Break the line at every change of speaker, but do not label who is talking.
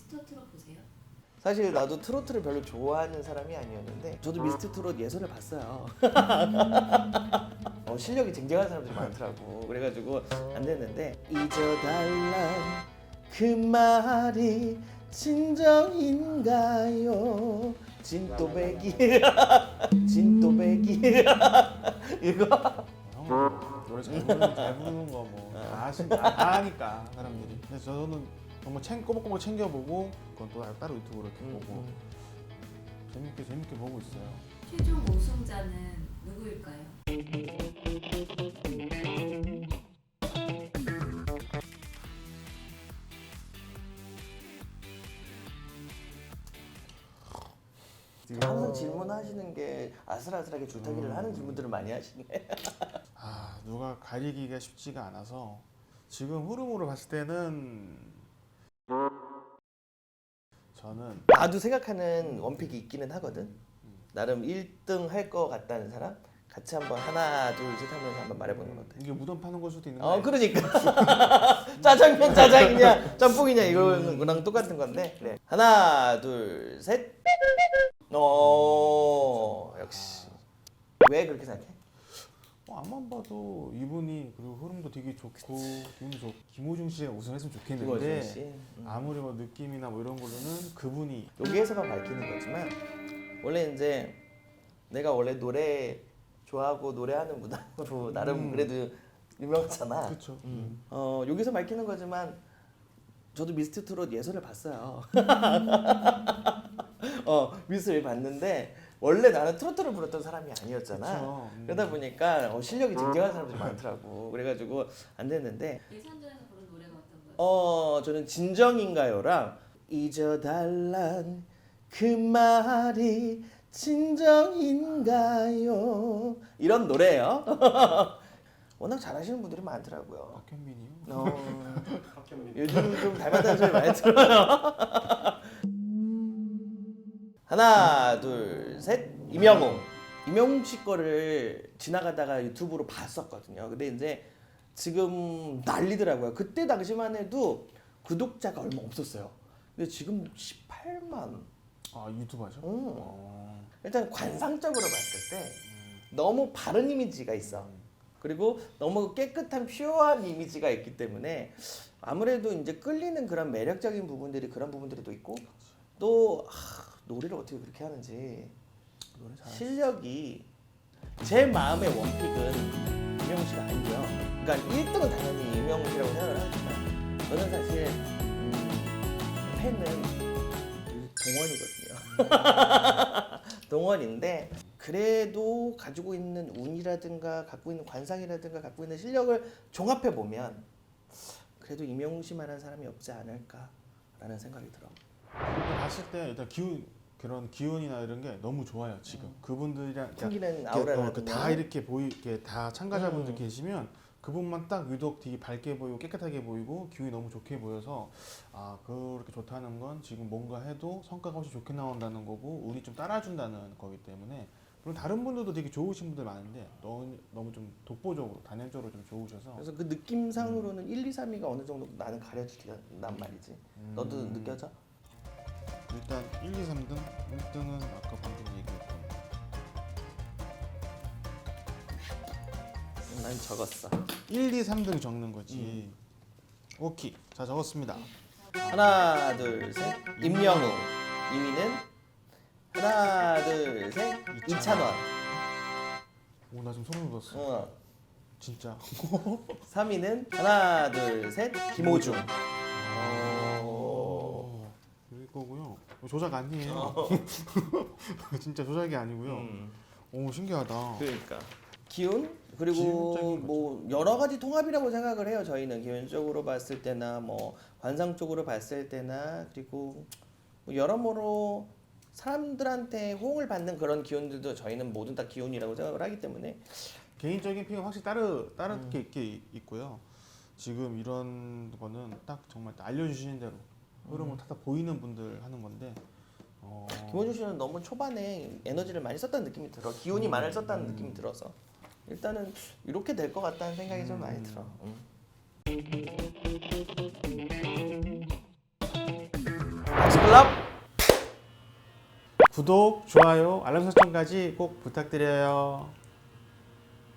미스터 트롯 보세요?
사실 나도 트로트를 별로 좋아하는 사람이 아니었는데 저도 미스터 트롯 예선을 봤어요. 실력이 쟁쟁한 사람들이 많더라고. 그래가지고 안 됐는데 잊어달란 그 말이 진정인가요? 진또배기 진또배기 이거
형 노래 잘 부르는 거 뭐 다 아니까 사람들이. 근데 저는 정말 꼬박꼬박 챙겨보고 그건 또 따로 유튜브로 이렇게 보고 재밌게 보고 있어요.
최종 우승자는 누구일까요?
항상 질문하시는 게 아슬아슬하게 줄타기를 하는 질문들을 많이 하시네.
누가 가리기가 쉽지가 않아서 지금 흐름으로 봤을 때는 저는
나도 생각하는 원픽이 있기는 하거든. 나름 1등 할 것 같다는 사람 같이 한번 하나 둘 셋 하면서 한번 말해보는 건 어때?
이게 무덤 파는 걸 수도 있는 거예요.
그러니까 짜장면 짜장이냐 짬뽕이냐 이거랑 똑같은 건데. 그래. 하나 둘 셋. 역시. 왜 그렇게 생각해?
앞만 봐도 이분이 그리고 흐름도 되게 좋고 기분도 좋고 김호중 씨가 우승했으면
김호중
좋겠는데
씨.
아무리 뭐 느낌이나 뭐 이런 걸로는 그분이
여기에서만 밝히는 거지만 원래 이제 내가 원래 노래 좋아하고 노래하는 무당으로 나름 그래도 유명하잖아.
그렇죠.
여기서 밝히는 거지만 저도 미스터 트롯 예선을 봤어요. 미스를 봤는데 원래 나는 트로트를 불렀던 사람이 아니었잖아.
그쵸.
그러다 보니까 실력이 쟁쟁한 사람들이 많더라고. 그래가지고 안 됐는데
예선전에서 부른 노래가 어떤 거예요?
저는 진정인가요랑 잊어달란 그 말이 진정인가요 이런 노래예요. 워낙 잘하시는 분들이 많더라고요.
박현민이요?
요즘 좀 닮았다는 소리 많이 들어요. 하나 둘 셋. 임영웅 씨 거를 지나가다가 유튜브로 봤었거든요. 근데 이제 지금 난리더라고요. 그때 당시만 해도 구독자가 얼마 없었어요. 근데 지금 18만.
유튜버죠?
일단 관상적으로 봤을 때 너무 바른 이미지가 있어. 그리고 너무 깨끗한 퓨어한 이미지가 있기 때문에 아무래도 이제 끌리는 그런 매력적인 부분들이 그런 부분들이 또 있고 또 노래를 어떻게 그렇게 하는지 실력이 제 마음의 원픽은 임영웅 씨가 아니고요. 그러니까 1등은 당연히 임영웅 씨라고 생각을 하지만 저는 사실 팬은 동원이거든요. 동원인데 그래도 가지고 있는 운이라든가 갖고 있는 관상이라든가 갖고 있는 실력을 종합해 보면 그래도 임영웅 씨만한 사람이 없지 않을까라는 생각이 들어.
봤을 때 일단 그런 기운이나 이런 게 너무 좋아요 지금. 그분들이랑
풍기는 아우라를
다 이렇게 이렇게 다 참가자분들 계시면 그분만 딱 유독 되게 밝게 보이고 깨끗하게 보이고 기운이 너무 좋게 보여서 그렇게 좋다는 건 지금 뭔가 해도 성과가 훨씬 좋게 나온다는 거고 운이 좀 따라준다는 거기 때문에. 물론 다른 분들도 되게 좋으신 분들 많은데 너무 좀 독보적으로 단연적으로 좀 좋으셔서
그래서 그 느낌상으로는 1, 2, 3위가 어느 정도 나는 가려진단 말이지. 너도 느껴져?
일단 1, 2, 3등 1등은 아까 방금 얘기했던
난 적었어.
1, 2, 3등 적는 거지. 오케이. 자, 적었습니다.
하나 둘 셋. 임영웅. 2위는 하나 둘 셋. 이찬원.
오, 나 지금 소름 돋았어. 진짜.
3위는 하나 둘 셋. 김호중.
이거고요. 조작 아니에요. 진짜 조작이 아니고요. 오, 신기하다.
그러니까 기운 그리고
기운적인
뭐 여러 가지 통합이라고 생각을 해요. 저희는 기운적으로 봤을 때나 뭐 관상 쪽으로 봤을 때나 그리고 뭐 여러모로 사람들한테 호응을 받는 그런 기운들도 저희는 모두 다 기운이라고 생각을 하기 때문에
개인적인 픽은 확실히 다르게 있게 있고요. 지금 이런 거는 딱 정말 알려주시는 대로 흐름을 타다 보이는 분들 하는 건데
김원준 씨는 너무 초반에 에너지를 많이 썼다는 느낌이 들어. 기운이 많이 썼다는 느낌이 들어서 일단은 이렇게 될 것 같다는 생각이 좀 많이 들어. 랍.
구독, 좋아요, 알람 설정까지 꼭 부탁드려요.